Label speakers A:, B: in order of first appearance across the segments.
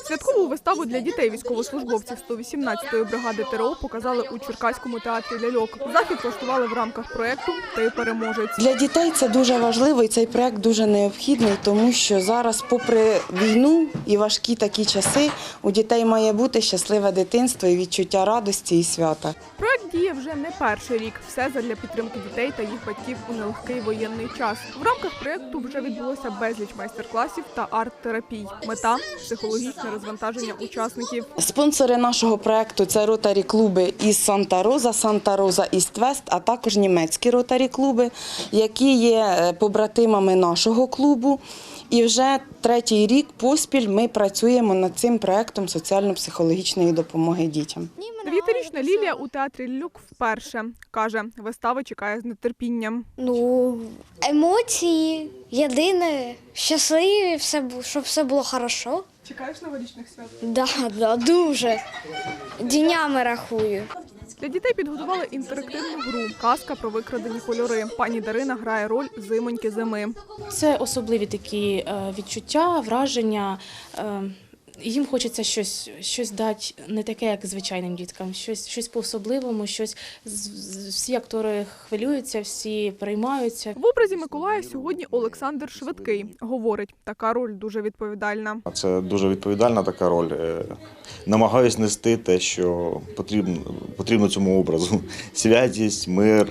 A: Святкову виставу для дітей військовослужбовців 118-ї бригади ТРО показали у Черкаському театрі ляльок. Захід влаштували в рамках проєкту «Ти переможець».
B: Для дітей це дуже важливо і цей проєкт дуже необхідний, тому що зараз, попри війну і важкі такі часи, у дітей має бути щасливе дитинство і відчуття радості і свята.
A: Проєкт діє вже не перший рік. Все задля підтримки дітей та їх батьків у нелегкий воєнний час. В рамках проєкту вже відбулося безліч майстер-класів та арт-терапій. Мета – психологічне розвантаження учасників.
B: Спонсори нашого проєкту – це ротарі-клуби із Санта-Роза, Санта-Роза Іст-Вест, а також німецькі ротарі-клуби, які є побратимами нашого клубу. І вже третій рік поспіль ми працюємо над цим проєктом соціально-психологічної допомоги дітям.
A: 9-річна Лілія у театрі ляльок вперше. Каже, вистава чекає з нетерпінням.
C: Емоції, єдине, щасливі, щоб все було добре.
A: Чекаєш новорічних свят?
C: Да, дуже. Днями рахую.
A: Для дітей підготували інтерактивну гру «Казка про викрадені кольори». Пані Дарина грає роль зимоньки зими.
D: Це особливі такі відчуття, враження. Їм хочеться щось дати не таке, як звичайним діткам, щось по-особливому, всі актори хвилюються, всі переймаються.
A: В образі Миколая сьогодні Олександр Швидкий. Говорить, така роль дуже відповідальна.
E: Це дуже відповідальна така роль. Намагаюсь нести те, що потрібно цьому образу. Святість, мир,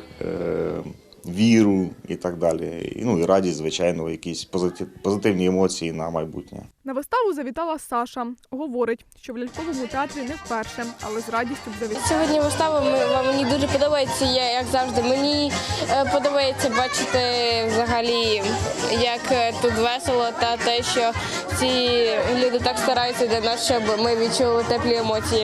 E: віру і так далі. І радість, звичайно, якісь позитивні емоції на майбутнє.
A: На виставу завітала Саша. Говорить, що в ляльковому театрі не вперше, але з радістю б завітала.
F: Сьогодні вистава мені дуже подобається, як завжди. Мені подобається бачити взагалі, як тут весело та те, що ці люди так стараються для нас, щоб ми відчули теплі емоції.